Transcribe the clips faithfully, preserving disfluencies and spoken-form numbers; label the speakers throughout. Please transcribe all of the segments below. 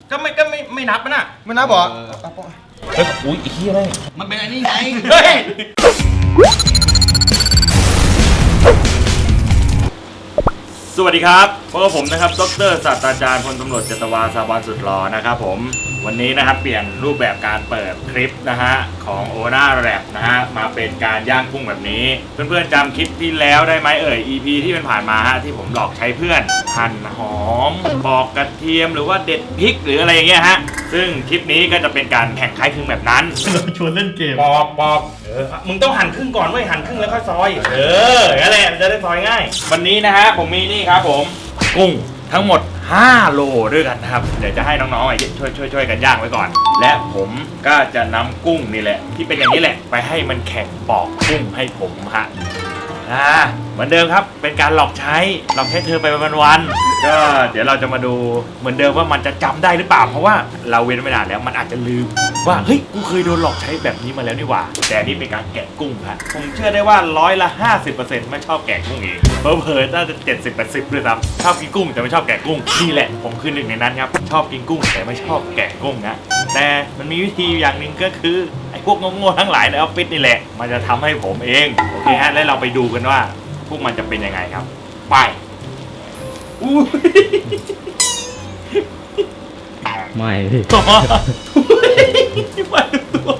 Speaker 1: ก็ไม่ก็ไม่ไม่นับมันอ่ะ
Speaker 2: ไม่นับเหรอ
Speaker 1: เฮ้ยอุ้ยอีกที่อะไร
Speaker 3: มันเป็นอันนี้ไง
Speaker 1: เฮ้ยสวัสดีครับพบกับผมนะครับดร.ศาสตราจารย์พลตำรวจเจตวาสาบานสุดหล่อนะครับผมวันนี้นะครับเปลี่ยนรูปแบบการเปิดคลิปนะฮะของโอนาแรปนะฮะมาเป็นการย่างกุ้งแบบนี้เพื่อนๆจำคลิปที่แล้วได้ไหมเอ่ย อี พี ที่มันผ่านมาฮะที่ผมหลอกใช้เพื่อนหั่นหอมปอกกระเทียมหรือว่าเด็ดพริกหรืออะไรอย่างเงี้ยฮะซึ่งคลิปนี้ก็จะเป็นการแข่งคล้ายคลึงแบบนั้น
Speaker 2: ชวนเล่นเกม
Speaker 1: ปอกปอกเออมึงต้องหั่นครึ่งก่อนเว้ยหั่นครึ่งแล้วค่อยซอยเออนั่นแหละจะได้ซอยง่ายวันนี้นะฮะผมมีนี่ครับผมกุ้งทั้งหมดห้าโลด้วยกันนะครับเดี๋ยวจะให้น้องๆช่วยช่วยช่วยกันย่างไว้ก่อนและผมก็จะนำกุ้งนี่แหละที่เป็นอย่างนี้แหละไปให้มันแข่งปอกกุ้งให้ผมฮะอ่าเหมือนเดิมครับเป็นการหลอกใช้หลอกใช้เธอไปวันๆก็เดี๋ยวเราจะมาดูเหมือนเดิมว่ามันจะจำได้หรือเปล่าเพราะว่าเราเว้นไม่นานแล้วมันอาจจะลืมว่าเฮ้ยกูเคยโดนหลอกใช้แบบนี้มาแล้วนี่หว่าแต่นี่เป็นการแกะกุ้งครับผมเชื่อได้ว่าร้อยละห้าสิบเปอร์เซ็นต์ไม่ชอบแกะกุ้งเองเผลอๆน่าจะเจ็ดสิบแปดสิบด้วยซ้ำชอบกินกุ้งแต่ไม่ชอบแกะกุ้งนี่แหละผมคือหนึ่งในนั้นครับชอบกินกุ้งแต่ไม่ชอบแกะกุ้งนะแต่มันมีวิธีอย่างหนึ่งก็คือไอ้พวกโง่ๆทั้งหลายในออฟฟิศนี่แหละมันจะทำให้ผมเองโอเคฮะแล้วเราไปดูกันว่าพวกมันจะเป็นยังไงครับไปอู้
Speaker 2: ไม่พี่
Speaker 1: ต่อมามาดูตัว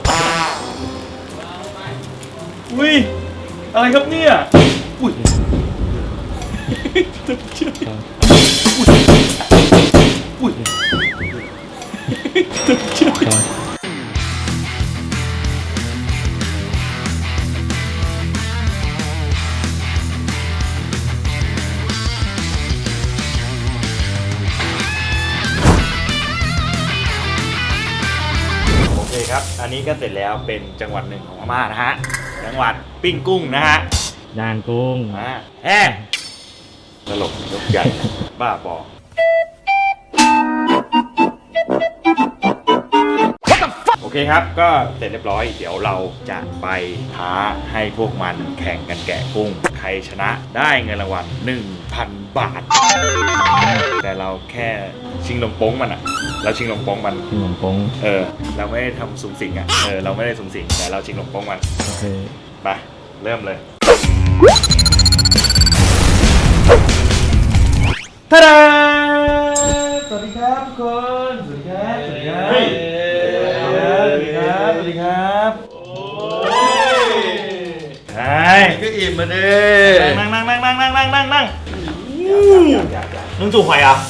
Speaker 1: อุ้ยอะไรครับเนี่ยอุ้ยตกใจอุ้ยอุ้ยตกใจครับอันนี้ก็เสร็จแล้วเป็นจังหวัดหนึ่งของพม่านะฮะจังหวัดปิ้งกุ้งนะฮะ
Speaker 2: ย่างกุ้ง
Speaker 1: อ่าแฮ่ตลกยกใหญ่บ้าบอโอเคครับก็เสร็จเรียบร้อยเดี๋ยวเราจะไปท้าให้พวกมันแข่งกันแกะกุ้งใครชนะได้เงินรางวัล หนึ่งพัน บาทแต่เราแค่ชิงลมโป้งมันอะเราชิงลมโป้งมัน
Speaker 2: ชิงลมโป้ง
Speaker 1: เออเราไม่ได้ทำสุ่มสิ่งอะเออเราไม่ได้สุ่มสิ่งแต่เราชิงลมโป้งมัน
Speaker 2: โอเค
Speaker 1: ไปเริ่มเลยท่าดาสวัสดีครับทุกคนสวัสดีครับสวัสดีครับสวัสดีครับสวัสดีครับโอ้ยใช่
Speaker 2: ก็อิ่มมาดิ
Speaker 1: นั่งนั่งนั่งนั่งนั่งนั่งนั่งนั่งมึงจู่หอยอ่ะ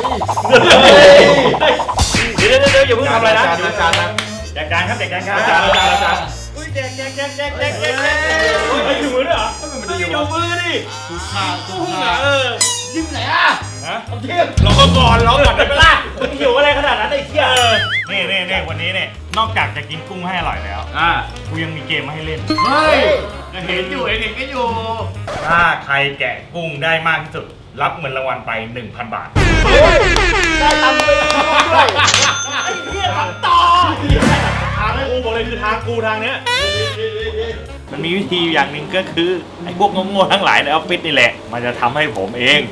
Speaker 1: เดี๋ยวเดี๋ยวเดี๋ยวอย่าเพิ่งทำอะไรนะ
Speaker 2: จานจานนะ
Speaker 1: แจกจานครับแจกจานครับจานจานจานอุ้ยแจกแจกแจกแจกแจกแจกแจกเฮ้ยอยู่มือด้วยเหรอไม่ได้อยู่มือดิ
Speaker 2: ถูกขาถูกขา
Speaker 1: เออ
Speaker 2: ยิ้มไหนอ่ะ
Speaker 1: ฮะเทียบเราก็ก่อนเราก่อนได้ไหมล่ะมึงหิวอะไรขนาดนั้นไอ้เที่ยนี่นี่นี่วันนี้เนี่ยนอกจากจะกินกุ้งให้อร่อยแล้วอ่ากูยังมีเกมมาให้เล่น
Speaker 2: เฮ้ย
Speaker 1: ยังเห็นอยู่เห็นก็อยู่ถ้าใครแกะกุ้งได้มากที่สุดรับเงินรางวัลไป หนึ่งพัน บาท
Speaker 2: ได้ตำไปด้วย
Speaker 1: ไอ้เหี้ยทำต่อทางกูบอกเลยคือทางกูทางเนี้ยมันมีวิธีอย่างหนึ่งก็คือไอ้พวกโง่ๆทั้งหลายในออฟฟิศนี่แหละมันจะทำให้ผมเอง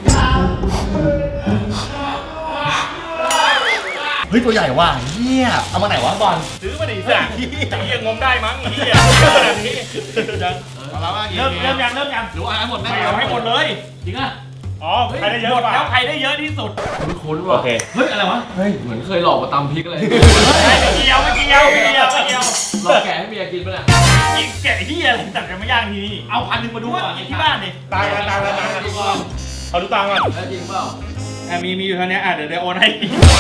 Speaker 2: เฮ้ยตัวใหญ่ว่ะเฮียเอามาไหนวะบอล
Speaker 1: ซื้อมาดิสั่งเฮียงมได้มั้งเฮียแบบนี้เริ่มเริ่มยังเริ่มยัง
Speaker 2: หรือว่าหมดไหม
Speaker 1: เอาให้หมดเลย
Speaker 2: จริงอ่ะ
Speaker 1: อ๋อใครได้เยอะแล้วใครได้เยอะที่สุด
Speaker 2: คุ้นว่ะเฮ้ยอะไรวะเฮ้ยเหมือนเคยหลอกมาตำพริกอะไร
Speaker 1: ไม่เกี่ยวไม่เกี่ยวไม่เกี่ยวไม่เกี่ยว
Speaker 2: หลอกแกะให้เมียกินป่ะเนี่ย
Speaker 1: กินแกะเฮียอะไรจัดกันไม่ย่างทีนี่เอาพันหนึ่งมาดูก่อนที่บ้านดิตายกันตายกันตายกันเอาดูตังค์ก่อน
Speaker 2: จริงเปล่า
Speaker 1: อ่ะมีมีอยู่เท่านี้อ่ะเดี๋ยวเดี๋ยวโอนให้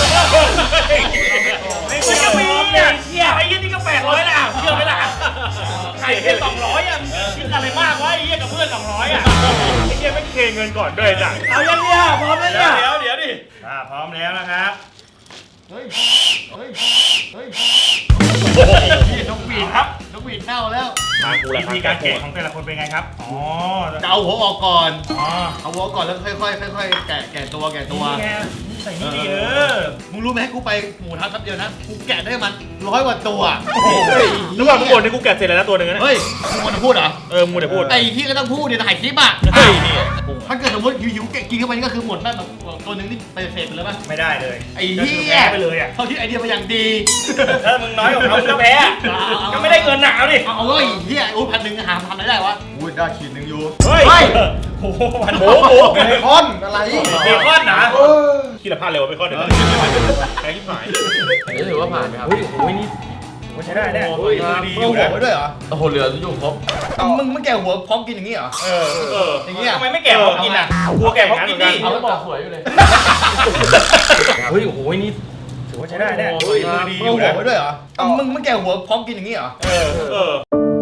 Speaker 1: ไม่จะมีเนี่ยเชี่ยไอ้ยี่นี่ก็แปดร้อยละเชื่อไหมล่ะใครแค่สองร้อยอ่ะคิดอะไรมากวะไอ้ยี่กับเพื่อนสองร้อยอ่ะไอ้ยี่ไม่เคเงินก่อนด้วยจ้ะ
Speaker 2: เอาอย่างเนี้ยพร้อมแล้วเนี่ย
Speaker 1: เดี๋ยวเดี๋ยวดิอ่าพร้อมแล้วนะครับ
Speaker 2: เฮ้ยเฮ้ยเฮ้ย
Speaker 1: นกหวีดครับ
Speaker 2: นกหวีดเน่าแล้ว
Speaker 1: วิธีการแกะของแต่ละคนเป็นไงครับอ๋อ
Speaker 2: จะเอาหัวออกก่อนอ๋อเอาหัวก่อนแล้วค่อยๆค่อยๆแกะแกะตัวแกะตัว
Speaker 1: ใส่นี่ดิเออ
Speaker 3: มึงรู้ไหมกูไปหมูทะแป๊บเดียวนะกูแกะได้มันร้อยกว่าตัว
Speaker 1: ระหว่างมึงบ่นนี่กูแกะเสร็จแล้วนะตัวหนึ่งนะ
Speaker 3: เฮ้ยมึงควรจะพูดเหรอ
Speaker 1: เออมึงเดี๋ยวพูด
Speaker 3: ไอ้ที่ก็ต้องพูดเนี่ยถ่ายคลิปอ่ะ
Speaker 1: เฮ้ยนี่
Speaker 3: ถ้าเกิดสมมติหิวๆแกะกินเข้าไปนี่ก็คือหมดแม่แบบตัวหนึงนี่ไปเสร็จไปแล้วป่ะ
Speaker 1: ไม่ได้เลย
Speaker 3: ไอ้
Speaker 1: ก็
Speaker 3: เหี้
Speaker 1: คือย แพ้ไปเลยอ่ะ
Speaker 3: เขาคิดไอเดียมาอย่างดี
Speaker 1: ถ้ามึงน้อยกว่าเขามึงก็แพ้อะก็ไม่ได้เงินหนาวดิ
Speaker 3: เอาเอาเว้ยเฮียโอ้พันหนึ่งหาทำอะไรได้วะ
Speaker 4: อุ้ยได้ขีดหนึ่งอยู่
Speaker 1: เฮ้ย
Speaker 3: เฮ้ย
Speaker 1: โอ้โหมันโหโห
Speaker 4: เบคอนอะไร
Speaker 1: เบคอนนะ
Speaker 4: เออ
Speaker 1: ขี้ละพลาดเร็วเบคอนเดี๋ยวแพ้ที่หาย
Speaker 2: อันนี้ถือว่าผ่านไหมครับ
Speaker 1: เฮ้ยโอ้ยนี่ถือว่าใช้ได้เนี่ย
Speaker 2: โอ้ย
Speaker 1: มือดีอ
Speaker 3: เอา
Speaker 1: ยู่
Speaker 3: หัว
Speaker 1: นะ
Speaker 3: ไว้ด้วยเหรอ
Speaker 2: โอ้โหเหลืออยู่ครบ
Speaker 3: มึงมึงแกะหัวพร้อมกินอย่างนี้เหรอ
Speaker 1: เออเออ
Speaker 3: อย่างเงี้ย
Speaker 1: ทำไมไม่แกะพร้อมกินอ่ะกลัวแกะพร้อมกินดิ
Speaker 2: เอาแล้วบอกสวยอยู่เลย
Speaker 1: เฮ้ยโอ้โหนี่ถือว่าใช้ได้เนี่ย
Speaker 2: โอ้ย
Speaker 1: มือดีอ
Speaker 3: มึง
Speaker 1: ยู่
Speaker 3: เอาหัว
Speaker 1: นะ
Speaker 3: ไว้ด้วยเหรอมึงมึงแกะหัวพร้อมกินอย่างนี้เหรอ
Speaker 1: เออเออ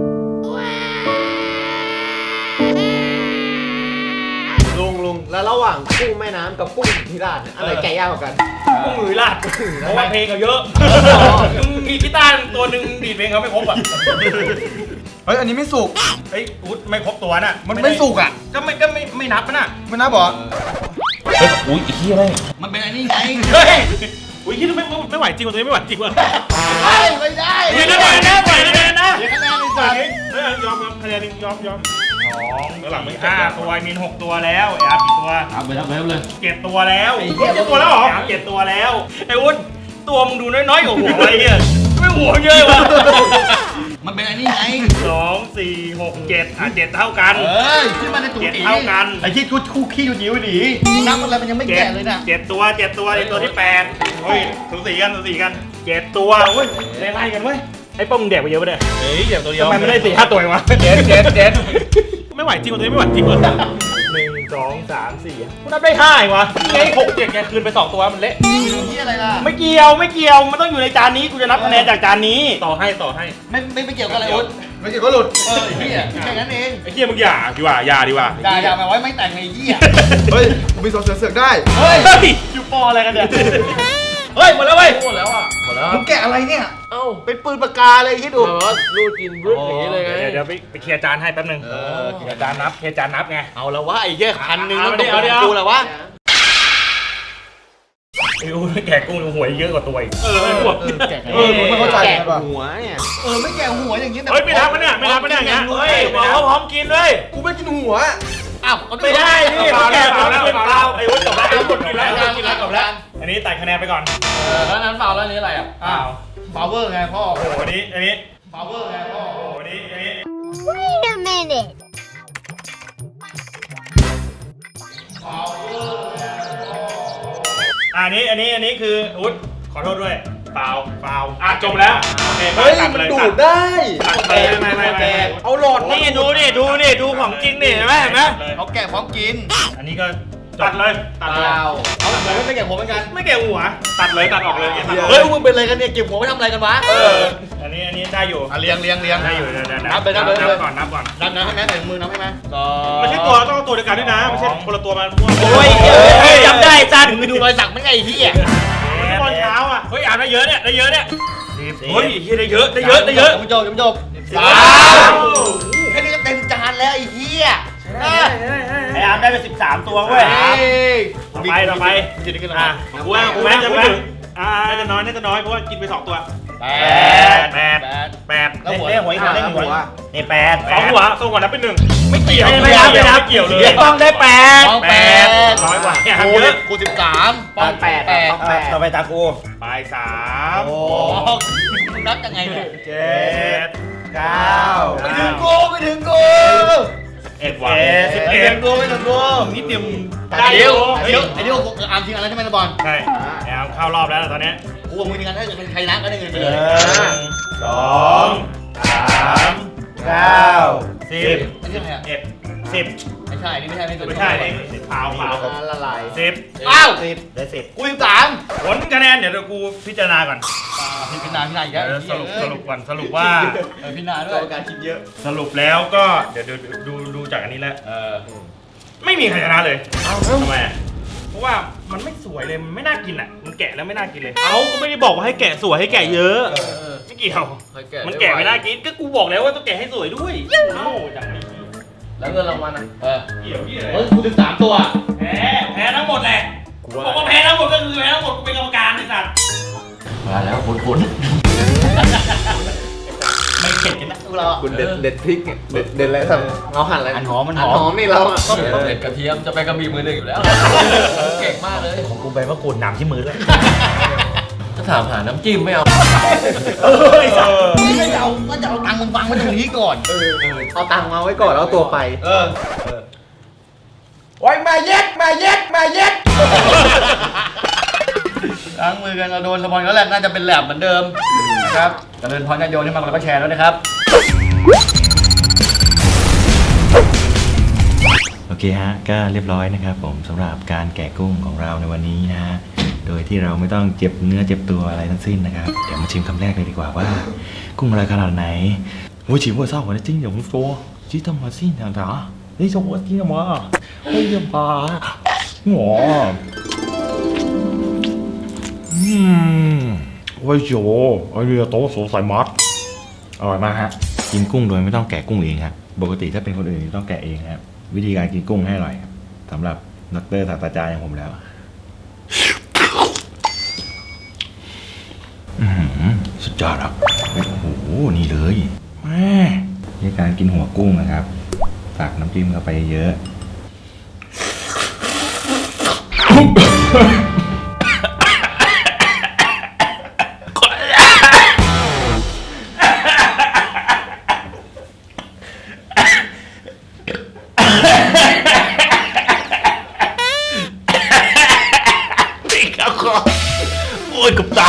Speaker 4: ลุงลุงแล้วระหว่างกุ้งแม่น้ำกับกุ้งที่ราดเนี่ยอะไรแกะยากกว่ากัน
Speaker 1: กุ้งมือลาดเพราะว่าเพลงเขาเยอะมีกีตาร์ตัวหนึ่งดีดเพลงเขาไม่ครบอ่ะ
Speaker 4: เฮ้ยอันนี้ไม่สุก
Speaker 1: เฮ้ยอุ๊ดไม่ครบตัวน่ะ
Speaker 4: มันไม่สุกอ่ะ
Speaker 1: ก็ไม่ก็ไม่ไม่นับน่ะ
Speaker 4: ไม่น่าบอก
Speaker 1: เฮ้ยอุ้ยอีกที่อะไร
Speaker 3: มันเป็นไอ้นี่ไง
Speaker 1: เฮ้ยอุ้ยที่ไม่ไม่ไม่ไหวจริงว่ะตัวนี้ไม่ไหวจริงว่ะ
Speaker 3: ไม่ไม่ได้
Speaker 1: ไม่ได้ไหวนะไหวนะนะ
Speaker 3: เดี๋ยวคะแนนเลยจ้ะ
Speaker 1: เฮ้ยยอมยอมคะแนนหนึ่งยอมยอมสองหลังไม่ห้าตัวมินหกตัวแล้วไอ้อาร์กี่ตัว
Speaker 2: เอาไปแล้วไปแล้วเลย
Speaker 1: เจ็ดตัวแล้วเจ็ดตัวแล้วเหรอเจ็ดตัวแล้วไอ้อุ้นตัวมึงดูน้อยๆกว่าหัวอะไรเนี่ยไม่หัวเยอะวะ
Speaker 3: มันเป็นไอ้นี่ไง
Speaker 1: สองสี่หกเจ็ดอ่ะเจ็ดเท่ากัน
Speaker 3: เอ้ยที่มันในตู้
Speaker 1: เจ็ด
Speaker 3: ตี
Speaker 1: เท่ากัน
Speaker 3: ไอ้ที่กูคู่ขี้อยู่หิวดีนับอะไรมันยังไม่
Speaker 1: เจ็ด
Speaker 3: แกะเลยน่ะ
Speaker 1: เจ็ดตัวเจ็ดตัวในตัวที่แปดเฮ้ยสูสีกันสูสีกันเจ็ดตัวเว้ยไล่ๆกันเว้ยไอ้ป้องมึงแดกไปเยอะปะเนี่ยเฮ้ยเดี๋ยวตัวเดียวทำไมไม่ได้สี่ห้าตัวเองวะเจ็ดเจ็ดเจ็ดไม่ไหวจริงว่ะตัวนี้ไม่ไหวจริงว่ะหนึ่งสองสามสี่กูนับได้ห้าเองวะไอ้หกเจ็ดแกคืนไปสองตัวมันเละ
Speaker 3: ที่อะไรล่ะ
Speaker 1: ไม่เกี่ยวไม่เกี่ยวมันต้องอยู่ในจานนี้กูจะนับคะแนนจากจานนี้ต่อให้ต่อให้
Speaker 3: ไม่ไม่ไม่เกี่ยวกับอะไรอุ๊ด
Speaker 4: ไม่เกี่ยวก็หลุด
Speaker 3: เออไอ้เหี้ยแค่นั้นเอง
Speaker 1: ไอ้เหี้ยมึงอย่าดีกว่าอย่าดีกว่า
Speaker 3: ด่าด่ามาไว้ไม่แต่งไอ้เหี้ย
Speaker 4: เฮ้ยกูมีสองเสือเสือกได้
Speaker 3: เฮ้ย
Speaker 1: เฮ้ยอยู่ปออะไรกันเนี่ยเฮ้ยหมดแล้วเว้ย
Speaker 2: หมดแล้วอ่ะหมดแล้ว
Speaker 3: มึงแกะอะไรเนี่ย
Speaker 2: เอ้า
Speaker 3: เป็นปืนปากกาเลยคิดดู
Speaker 2: แบบว่ารูดกินรึดอย่างนี้เลยไง
Speaker 1: เดี๋ยวเดี๋ยวไปไปเคลียร์จานให้แป๊บนึง
Speaker 3: เออ
Speaker 1: เคลียร์จานนับเคลียร์จานนับไง
Speaker 3: เอาละวะไอ้เหี้ยพันหนึ่ง
Speaker 1: เอา
Speaker 3: ต้อง
Speaker 1: ดิ
Speaker 3: ตก
Speaker 1: เอาดิ
Speaker 3: ของกูแล้ววะ
Speaker 1: ไอ้อู้แกะกุ้งหวยเยอะกว่าตัวอีกเออหัว
Speaker 3: เออแกะไง
Speaker 4: เออผมไม่เข้าใจ
Speaker 2: แกะ
Speaker 4: ไงป่ะ
Speaker 2: หัวเนี่ย
Speaker 3: เออไม่แกะหัวอย่างนี้
Speaker 1: เฮ้ยไม่นับมันเนี่ยไม่นับมันเนี่ยอย่างเงี้ยเฮ้ยบอกเขาพร้อมกินเลย
Speaker 4: กูไม่กินหัว
Speaker 3: อ้าว
Speaker 1: ไม่ได้นี่
Speaker 3: เป
Speaker 1: เขา
Speaker 3: ล่า
Speaker 1: แกะ
Speaker 3: แล้ว
Speaker 1: เปล่าแล้ว
Speaker 3: เป
Speaker 1: เป
Speaker 3: ล่า
Speaker 1: ล่า
Speaker 3: แล้ว
Speaker 1: ไอ้วุ้นจบแล้วไอ้วุ้นกินแล้ว
Speaker 3: เปล่า
Speaker 1: กินแล้วจบแล้วอันนี้ตัดคะแนนไปก่อน
Speaker 2: เออแล้วนั้นฟาวแล้วอันนี้อะไรอ่ะ
Speaker 1: อ้าว
Speaker 3: พาวเวอร์ไงพ่อ
Speaker 1: โอ้โหอันนี้อันนี้
Speaker 3: พาวเวอร์ไงพ่อ
Speaker 1: โอ้โหอันนี้อันนี้
Speaker 5: Wait a minute.
Speaker 1: อันนี้อันนี้อันนี้คือวุ้นขอโทษด้วยเปล่าเปล่าอ่ะจบแล้วโอเค
Speaker 4: เฮ้ย
Speaker 1: ตัดไป
Speaker 4: มัน
Speaker 1: เลย
Speaker 4: ดู
Speaker 1: ตั
Speaker 4: ดได้
Speaker 1: ตัดไปเลยไม่ไม่ไม่ไม่
Speaker 4: เอาหลอด
Speaker 1: นี่ดูนี่ดูนี่ดูของจริงนี่เห็นไหมเห็นไหม
Speaker 3: เขาแกะพร้อมกิน
Speaker 1: อันนี้ก็ตัดเลยตัดเลย
Speaker 3: เอาหัวไม่แกะหัวเหมือนกัน
Speaker 1: ไม่แกะหัว ตัดเลยตัดออกเลยตัดออก
Speaker 3: เฮ้ยมึงเป็นอะไรกันเนี่ยเก็บหัวไว้ทำอะไรกันวะ
Speaker 1: เอออันนี้อันนี้ได้อยู่
Speaker 3: อ่ะเลี้ยงเลี้ยงเลี้ยง
Speaker 1: ได้อยู่เดี๋ยวเดี๋ยว
Speaker 3: นับไปนับไป
Speaker 1: นั
Speaker 3: เลย
Speaker 1: บก่อนนับก่อน
Speaker 3: นับนะให้แม่ใส่มือนับให้แม่สอง
Speaker 1: ไม่ใช่ตัวต้องเอาตัวเดียวกันด้วยนะไม่ใช่คนละตัวมามั่ว
Speaker 3: โอ้ย
Speaker 1: เฮ้ยจำได้จัน
Speaker 3: มึงไปดูรอยสักมันไงไอ้เหี้ย
Speaker 1: ตอนเช้าอ่ะเฮ้ยอ่านได้เยอะเนี่ยได้เยอะเนี่ยเฮ้ยเฮียได้เยอะได้เยอะได้เยอะ
Speaker 3: จบจบจบ
Speaker 1: สาม
Speaker 3: แค่นี้ก็เต็มจานแล้วไอ้เหี้ย
Speaker 1: ไอ้อาร์มได้ไปสิบสามตัวเว้ย ต่อไปต่อไป
Speaker 3: จะได้ขึ้น
Speaker 1: อ่ะ
Speaker 3: มา
Speaker 1: กูว่ากูน่าจะไม่ถึงอ่าน่าจะน้อยน่าจะน้อยเพราะว่ากินไปสองตัว
Speaker 3: แป
Speaker 1: แปด
Speaker 3: ด
Speaker 1: แปดแปด
Speaker 3: แล้วหัว
Speaker 1: เล่นหัวอีกหัวเล่นหัวนี่แปดสอง
Speaker 4: หั
Speaker 1: หัว
Speaker 4: ว
Speaker 1: สองหัวนับเป็นหนึ่งไม่เกี่ยว
Speaker 4: ไม่นับไม่นับ
Speaker 1: เกี่ยวเลย
Speaker 4: ต้องได้แปด
Speaker 3: ต้อง
Speaker 1: แป
Speaker 3: แป
Speaker 1: ด
Speaker 3: ด
Speaker 1: น้อยกว่า
Speaker 3: กู
Speaker 1: เยอะ
Speaker 3: กูสิบสาม
Speaker 4: ป้องแปด
Speaker 3: แปด
Speaker 4: ป้องแปด
Speaker 1: ต่อไปตากูไปสาม
Speaker 3: โอ้มึงนับยังไงเนี่ย
Speaker 1: เจ็ด
Speaker 4: เก้า
Speaker 3: ไม่ถึงกูไม่ถึงกู
Speaker 1: เอ็ดวันสิบ
Speaker 3: ไม่
Speaker 1: เอ็
Speaker 3: ถึ
Speaker 1: ด
Speaker 3: งกูไม่ถึงกู
Speaker 1: นิดเดียว
Speaker 3: ไอ้เดียวไอ้เดียวไอ้เดียวกูอาร์มทีมอะไรใช่ไหมนะบอล
Speaker 1: ใช่แอมเข้ารอบแล้วตอนนี้
Speaker 3: กูกับมึงทีมกันถ้าเกิดเป็นใครนะก็ได้เงินไป
Speaker 1: ห
Speaker 3: เลย
Speaker 1: นึ่งสองสาม
Speaker 4: เก้า
Speaker 1: สิบ
Speaker 3: ไม่ใช่ใครอ่ะ
Speaker 1: เอ็ดสิบ
Speaker 3: ไม่ใช่นี่ไม่ใช่ไม่
Speaker 1: ไม่ใช่นี่สิบเปล่าเปล่า
Speaker 4: ละลาย
Speaker 1: สิบ
Speaker 3: อ้าว
Speaker 4: สิบ
Speaker 1: ได้สิบ
Speaker 3: กูสิบสาม
Speaker 1: ผลคะแนนเดี๋ยวกูพิจารณาก่อน
Speaker 3: พี่พินาพี่นาอีก
Speaker 1: เดี๋
Speaker 3: แล้
Speaker 1: ยว วสรุปสรุปก่อนสรุปว่า
Speaker 3: เออพี่นาด้
Speaker 4: ก
Speaker 3: ว
Speaker 4: ร
Speaker 3: ย
Speaker 4: รมการคิดเยอะ
Speaker 1: สรุปแล้วก็เดี๋ยวดูดูดูจากอันนี้แล้ว
Speaker 3: เออ
Speaker 1: ไม่มีใครชนะเลยทำไมอ่ะเพราะว่ามันไม่สวยเลยมันไม่น่ากินอ่ะมันแกะแล้วไม่น่ากินเลย
Speaker 6: เอ้าก็ไม่ได้บอกว่าให้แกะสวยให้แกะเยอะ
Speaker 1: ไม่เกี่ยว
Speaker 2: เคยแกะ
Speaker 1: มันแกะไม่น่ากินก็กูบอกแล้วว่าต้องแกะให้สวยด้วยโง่จังไอ้
Speaker 2: แล้วเงินรางวัลอ่ะ
Speaker 3: เออ
Speaker 1: เกี่ยวที่ไหน
Speaker 3: เฮ้ยกูสิบสามตัว
Speaker 1: แพ้แพ้ทั้งหมดแหละ
Speaker 4: กู
Speaker 1: บอกว่าแพ้ทั้งหมดก็คือแพ้ทั้งหมดกูเป็นกรรมการไอ้สัตว์
Speaker 2: มาแล้วคนคน
Speaker 3: ไม่เข็ดกันนะพวกเรา
Speaker 4: คุณเด็ดเด็ดพริกเนี่ยเด็ดเด็ดอะไรสับเราหั่นอะไร
Speaker 3: อันหอมมันห
Speaker 4: อัน
Speaker 3: อ
Speaker 4: หอ
Speaker 3: ม
Speaker 4: มนี่เราอะ
Speaker 2: ก็เป็นเด็ดกระเทียมจะไปกระบี่มือหนึ่งอยู่แล้ว เก่งมากเลย
Speaker 3: ของกูไปว่ากูหนำที่มือด้วย
Speaker 2: ถ้าถามหาน้ำจิ้มไม่เอา
Speaker 3: เออไอ้สัตว์ไม่เอาก็จะเอาตังค์มึงวางไว้ตรงนี้ก่อน
Speaker 4: เออเอาตังค์มาไว้ก่อนแล้วเอาตัวไป
Speaker 3: เออโอ้ยมาเย็ดมาเย็ดมาเย็ดล้างมือกันเราโดนสปอนแล้วแหละน่าจะเป็นแหลมเหมือนเดิมนะครับเจริญพรญาติโยมที่มาแล้วก็แชร์แล้วนะครับ
Speaker 1: โอเคฮะก็เรียบร้อยนะครับผมสำหรับการแกะกุ้งของเราในวันนี้นะฮะโดยที่เราไม่ต้องเจ็บเนื้อเจ็บตัวอะไรทั้งสิ้นนะครับเดี๋ยวมาชิมคำแรกเลยดีกว่าว่ากุ้งอะไรขนาดไหนโอ้ยชิมว่าเศร้าหัวจริงอย่างฟัวชิทำมาสิอย่างไรนี่ชอบที่มาเฮ้ยปลาหัวอืมโอ้ยโจไอเรือโตสงสัยมัดอร่อยมากฮะกินกุ้งโดยไม่ต้องแกะกุ้งเองครับปกติถ้าเป็นคนอื่นต้องแกะเองครับวิธีการกินกุ้งให้อร่อยครับสำหรับดร.ศาสตราจารย์อย่างผมแล้วอื้อหือสุดยอดครับโอ้โหนี่เลยแม่นี่การกินหัวกุ้งนะครับตักน้ำจิ้มเข้าไปเยอะโอ้ยกับตา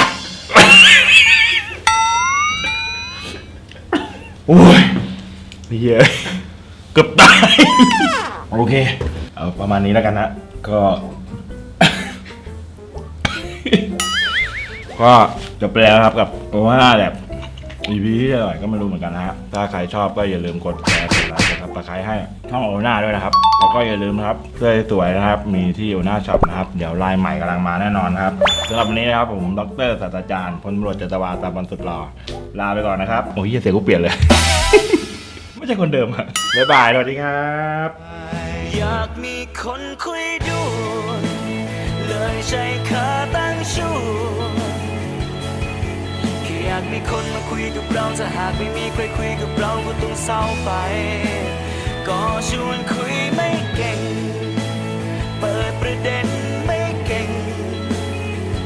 Speaker 1: โอ้ยเหี้ยเกือบตายโอเคเอาประมาณนี้แล้วกันนะก็ ก็จบไปแล้วครับกับว่าแบบอีพีที่อร่อยก็ไม่รู้เหมือนกันนะฮะถ้าใครชอบก็อย่าลืมกดแชร์กดไลค์กดซับสไครต์ให้ช่องโอน่าด้วยนะครับแล้วก็อย่าลืมนะครับเสื้อสวยนะครับมีที่โอน่าช็อปนะครับเดี๋ยวลายใหม่กำลังมาแน่นอนครับสำหรับวันนี้นะครับผมดร.ศาสตราจารย์พลตำรวจจัตวาตาบอลสุดหล่อลาไปก่อนนะครับโอ้ยเสียงกูเปลี่ยนเลย ไม่ใช่คนเดิมอะบ๊ายบายสวัสดีครับ
Speaker 7: อยากมีคนคุยด้วยเลยใช้ขาตั้งชูแค่อยากมีคนมาคุยกับเราถ้าหากไม่มีใครคุยกับเราก็ต้องเศร้าไปก็ชวนคุยไม่เก่ง